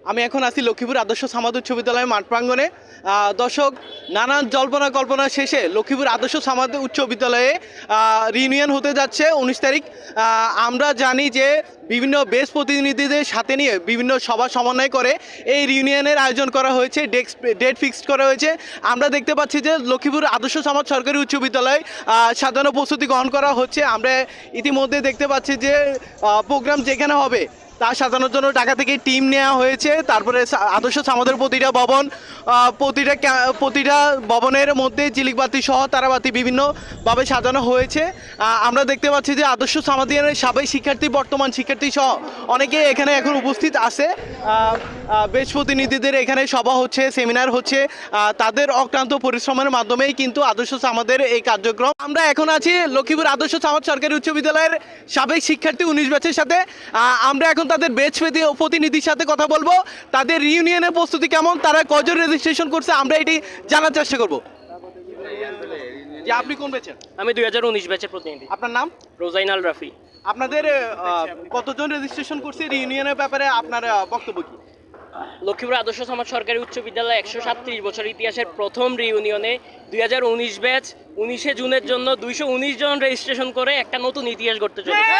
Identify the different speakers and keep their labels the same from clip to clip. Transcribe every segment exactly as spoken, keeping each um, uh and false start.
Speaker 1: আমি এখন আছি লক্ষ্মীপুর আদর্শ সামাদ উচ্চ বিদ্যালয়ের মাঠ প্রাঙ্গণে। আহ, দর্শক, নানান জল্পনা কল্পনা শেষে লক্ষ্মীপুর আদর্শ সামাদ উচ্চ বিদ্যালয়ে রিউনিয়ন হতে যাচ্ছে উনিশ তারিখ। আহ, আমরা জানি যে বিভিন্ন বেস প্রতিনিধিদের সাথে নিয়ে বিভিন্ন সভা সমন্বয় করে এই রিউনিয়নের আয়োজন করা হয়েছে, ডেস্ক ডেট ফিক্সড করা হয়েছে। আমরা দেখতে পাচ্ছি যে লক্ষ্মীপুর আদর্শ সমাজ সরকারি উচ্চ বিদ্যালয় সাজানো প্রস্তুতি গ্রহণ করা হচ্ছে। আমরা ইতিমধ্যে দেখতে পাচ্ছি যে প্রোগ্রাম যেখানে হবে তা সাজানোর জন্য ঢাকা থেকে টিম নেওয়া হয়েছে। তারপরে আদর্শ সামাদের প্রতিটা ভবন, প্রতিটা প্রতিটা ভবনের মধ্যে ঝিলিকবাতি সহ তারাবাতি বিভিন্নভাবে সাজানো হয়েছে। আমরা দেখতে পাচ্ছি যে আদর্শ সামাদের সাবেক শিক্ষার্থী, বর্তমান শিক্ষার্থী সহ অনেকে এখানে এখন উপস্থিত আছে। বেশ প্রতিনিধিদের এখানে সভা হচ্ছে, সেমিনার হচ্ছে। তাদের অক্লান্ত পরিশ্রমের মাধ্যমেই কিন্তু আদর্শ সামাদের এই কার্যক্রম। আমরা এখন আছি লক্ষ্মীপুর আদর্শ সামাদ সরকারি উচ্চ বিদ্যালয়ের সাবেক শিক্ষার্থী উনিশ ব্যাচের সাথে। আমরা এখন তাদের বেচ প্রতিনিধির সাথে কথা বলবো, তাদের রিউনিয়নের প্রস্তুতি কেমন, তারা কজন রেজিস্ট্রেশন করছে, আমরা এটি জানার চেষ্টা করবো। যে আপনি কোন ব্যাচের?
Speaker 2: আমি দুই হাজার উনিশ ব্যাচের প্রতিনিধি।
Speaker 1: আপনার নাম?
Speaker 2: রোজাইনাল রাফি।
Speaker 1: আপনাদের কতজন রেজিস্ট্রেশন করছে রিউনিয়নের ব্যাপারে আপনার বক্তব্য কি?
Speaker 2: লক্ষ্মীপুর আদর্শ সমাজ সরকারি উচ্চ বিদ্যালয় একশো সাতত্রিশ বছর ইতিহাসের প্রথম রিউনিয়নে দুই হাজার উনিশ ব্যাচ উনিশে জুনের জন্য দুইশো উনিশ জন রেজিস্ট্রেশন করে একটা নতুন ইতিহাস গড়তে চলেছে।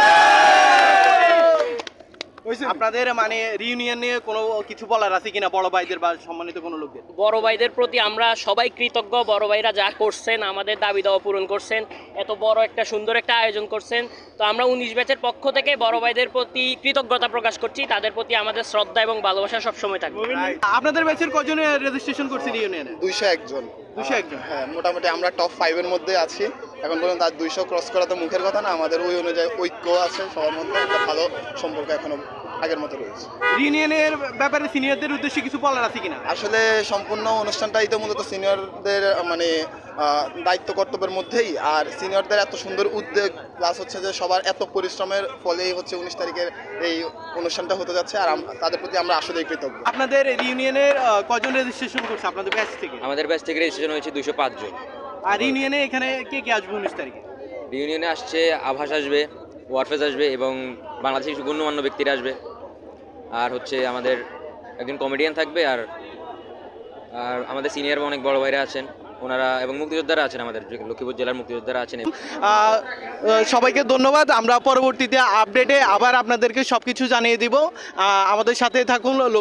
Speaker 1: আপনাদের মানে রিউনিয়ন নিয়ে কোনো কিছু বলার আছে কিনা বড় ভাইদের বা সম্মানিত কোনো লোকদের?
Speaker 2: বড় ভাইদের প্রতি আমরা সবাই কৃতজ্ঞ। বড় ভাইরা যা করছেন, আমাদের দাবি দাওয়া পূরণ করছেন, এত বড় একটা সুন্দর একটা আয়োজন করছেন। তো আমরা উনিশ ব্যাচের পক্ষ থেকে বড় ভাইদের প্রতি কৃতজ্ঞতা প্রকাশ করছি। তাদের প্রতি আমাদের শ্রদ্ধা এবং ভালোবাসা সবসময় থাকবে।
Speaker 1: আপনাদের ব্যাচের কজনে রেজিস্ট্রেশন করছে রিউনিয়নে?
Speaker 3: দুইশো একজন।
Speaker 1: দুইশো একজন?
Speaker 3: হ্যাঁ, মোটামুটি আমরা টপ ফাইভের মধ্যে আছি এখন পর্যন্ত। আর দুইশো ক্রস করা তো মুখের কথা না, আমাদের ওই অনুযায়ী ঐক্য আছে সবার মধ্যে, একটা ভালো সম্পর্ক এখনো আগের মতো রয়েছে।
Speaker 1: রিউনিয়নের ব্যাপারে সিনিয়রদের উদ্দেশ্যে কিছু বলার আছে কিনা?
Speaker 3: আসলে সম্পূর্ণ অনুষ্ঠানটাই তো মূলত সিনিয়রদের মানে দায়িত্ব কর্তব্যের মধ্যেই। আর সিনিয়রদের এত সুন্দর উদ্যোগ প্লাস হচ্ছে যে সবার এত পরিশ্রমের ফলেই হচ্ছে উনিশ তারিখের এই অনুষ্ঠানটা হতে যাচ্ছে। আর তাদের প্রতি আমরা আসলে কৃতজ্ঞ।
Speaker 1: আপনাদের রিউনিয়নের কজন রেজিস্ট্রেশন করছে আপনাদের ব্যাচ থেকে?
Speaker 4: আমাদের ব্যাচ থেকে রেজিস্ট্রেশন হয়েছে দুশো পাঁচ জন।
Speaker 1: আর রিউনিয়নে এখানে কে কে আসবে উনিশ তারিখে?
Speaker 4: রিউনিয়নে আসছে আভাস আসবে, ওয়ারফেজ আসবে এবং বাংলাদেশের কিছু গণ্যমান্য ব্যক্তিরা আসবে। আর হচ্ছে আমাদের একজন কমেডিয়ান থাকবে। আর আর আমাদের সিনিয়র অনেক বড় ভাইরা আছেন ওনারা, এবং মুক্তিযোদ্ধারা আছেন, আমাদের লক্ষ্মীপুর জেলার মুক্তিযোদ্ধারা আছেন।
Speaker 1: সবাইকে ধন্যবাদ। আমরা পরবর্তীতে আপডেটে আবার আপনাদেরকে সব কিছু জানিয়ে দিব। আমাদের সাথে থাকুন।